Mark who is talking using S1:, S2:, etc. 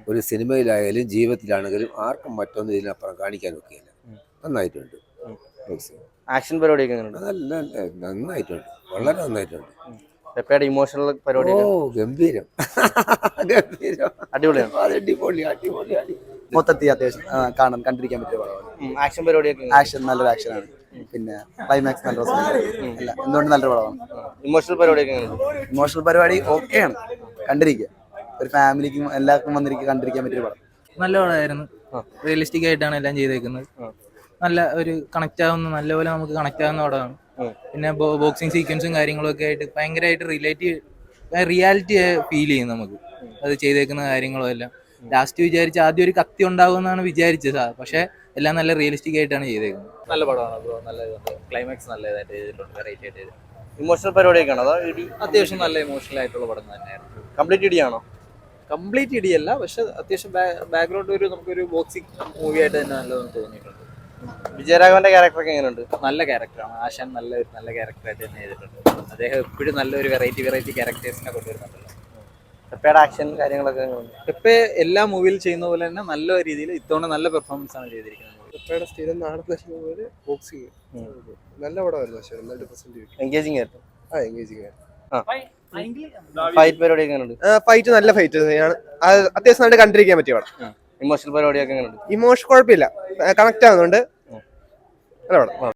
S1: ഒരു സിനിമയിലായാലും ജീവിതത്തിലാണെങ്കിലും ആർക്കും മറ്റൊന്നും ഇതിനപ്പുറം കാണിക്കാൻ ഒക്കെയില്ല. നന്നായിട്ടുണ്ട്.
S2: ആക്ഷൻ പരിപാടിയൊക്കെ എങ്ങനെയുണ്ട്?
S1: നല്ല നന്നായിട്ടുണ്ട്, വളരെ നന്നായിട്ടുണ്ട്.
S2: പെപ്പയുടെ ഇമോഷണൽ പരിപാടി
S1: ഗംഭീരം ഗംഭീരം,
S2: അടിപൊളിയാണ്.
S1: അടിപൊളി അടിപൊളി അടി
S3: മൊത്തത്തിൽ അത്യാവശ്യം കണ്ടിരിക്കാൻ പറ്റിയ പടമാണ്.
S2: ആക്ഷൻ പരിപാടിയൊക്കെ
S3: ആക്ഷൻ നല്ലൊരു ആക്ഷനാണ്. പിന്നെ ക്ലൈമാക്സ് നല്ല രസമാണ്. അല്ല എന്തുകൊണ്ട് നല്ലൊരു പടമാണ്.
S2: ഇമോഷണൽ പരിപാടിയൊക്കെ എങ്ങനെയുണ്ട്?
S3: ഇമോഷണൽ പരിപാടി ഓക്കെയാണ്, കണ്ടിരിക്കുക. ഒരു ഫാമിലിക്കും എല്ലാവർക്കും വന്നിരിക്കുക കണ്ടിരിക്കാൻ പറ്റിയ പടം.
S4: നല്ല പടമായിരുന്നു. റിയലിസ്റ്റിക് ആയിട്ടാണ് എല്ലാം ചെയ്തേക്കുന്നത്. നല്ല ഒരു കണക്ട് ആവുന്ന, നല്ലപോലെ നമുക്ക് കണക്ട് ആവുന്ന പടമാണ്. പിന്നെ ബോക്സിങ് സീക്വൻസും കാര്യങ്ങളും ഒക്കെ ആയിട്ട് ഭയങ്കരമായിട്ട് റിയാലിറ്റി ഫീൽ ചെയ്യും നമുക്ക് അത് ചെയ്തേക്കുന്ന കാര്യങ്ങളും എല്ലാം. ലാസ്റ്റ് വിചാരിച്ച ആദ്യം ഒരു കത്തി ഉണ്ടാകുമെന്നാണ് വിചാരിച്ചത്, പക്ഷെ എല്ലാം നല്ല റിയലിസ്റ്റിക് ആയിട്ടാണ് ചെയ്തേക്കുന്നത്.
S5: നല്ല പടമാണ് ബ്രോ, നല്ല ക്ലൈമാക്സ് നല്ലതായിട്ട് ചെയ്തിട്ടുണ്ട്, വെറൈറ്റി ആയിട്ട് ചെയ്തിട്ടുണ്ട്.
S2: ഇമോഷണൽ പരിപാടിയൊക്കെ ആണോ അതോ ഇടി?
S5: അത്യാവശ്യം നല്ല ഇമോഷണൽ ആയിട്ടുള്ള പടം തന്നെയായിരുന്നു.
S2: കംപ്ലീറ്റ് ഇടിയാണോ?
S5: കംപ്ലീറ്റ് ഇടിയല്ല, പക്ഷെ അത്യാവശ്യം ബാക്ക്ഗ്രൗണ്ട് നമുക്കൊരു ബോക്സിംഗ് മൂവി ആയിട്ട് തന്നെ നല്ലതെന്ന് തോന്നിയിട്ടുണ്ട്.
S2: വിജയരാഘവന്റെ ക്യാരക്ടറൊക്കെ എങ്ങനെയുണ്ട്?
S5: നല്ല ക്യാരക്ടറാണ് ആശാൻ, നല്ല ക്യാരക്ടറായിട്ട് തന്നെ ചെയ്തിട്ടുണ്ട്. അദ്ദേഹം എപ്പോഴും നല്ലൊരു വെറൈറ്റി ക്യാരക്ടേഴ്സിനെ കൊണ്ടുവരുന്നുണ്ടല്ലോ.
S2: പെപ്പയുടെ ആക്ഷൻ കാര്യങ്ങളൊക്കെ എങ്ങനെയുണ്ട്?
S5: പെപ്പെ എല്ലാ മൂവിയിൽ ചെയ്യുന്ന പോലെ തന്നെ നല്ല രീതിയിൽ ഇത്തവണ നല്ല പെർഫോമൻസ് ആണ് ചെയ്തിരിക്കുന്നത്.
S6: പെപ്പയുടെ സ്ഥിരം നാടൻ ബോക്സിങ് നല്ല പടമായിരുന്നു. പക്ഷേ നന്നായിട്ട് പ്രസന്റ് ചെയ്തു.
S2: എൻഗേജിങ് ആയിരുന്നു.
S6: എൻഗേജിങ് ആയിരുന്നു.
S2: ഫൈറ്റ് പരിപാടിയൊക്കെ എങ്ങനെയുണ്ട്?
S6: ഫൈറ്റ് നല്ല ഫൈറ്റ് അത്യാവശ്യം നന്നായിട്ട് കണ്ടിരിക്കാൻ പറ്റിയ പടം.
S2: ഇമോഷണൽ പരിപാടിയൊക്കെ എങ്ങനെയുണ്ട്?
S6: ഇമോഷൻ കുഴപ്പമില്ല, കണക്ട് ആവുന്നുണ്ട്. നല്ല പടം.